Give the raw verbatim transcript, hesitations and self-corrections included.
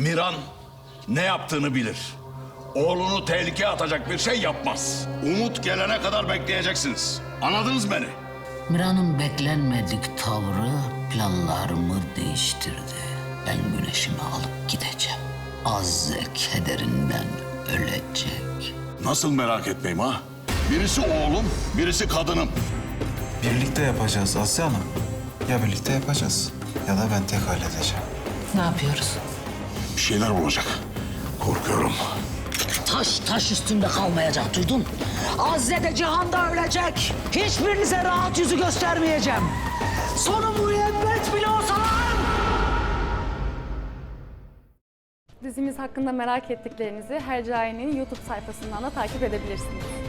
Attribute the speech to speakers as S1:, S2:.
S1: Miran ne yaptığını bilir. Oğlunu tehlikeye atacak bir şey yapmaz. Umut gelene kadar bekleyeceksiniz. Anladınız beni?
S2: Miran'ın beklenmedik tavrı planlarımı değiştirdi. Ben güneşimi alıp gideceğim. Azze kederinden ölecek.
S1: Nasıl merak etmeyeyim ha? Birisi oğlum, birisi kadınım.
S3: Birlikte yapacağız Asya Hanım. Ya birlikte yapacağız ya da ben tek halledeceğim.
S2: Ne yapıyoruz?
S1: Bir şeyler olacak. Korkuyorum.
S2: Taş taş üstünde kalmayacak, duydun? Azze de Cihan'da ölecek. Hiçbirinize rahat yüzü göstermeyeceğim. Sonu müebbet bile olsa lan!
S4: Dizimiz hakkında merak ettiklerinizi Hercai'nin YouTube sayfasından da takip edebilirsiniz.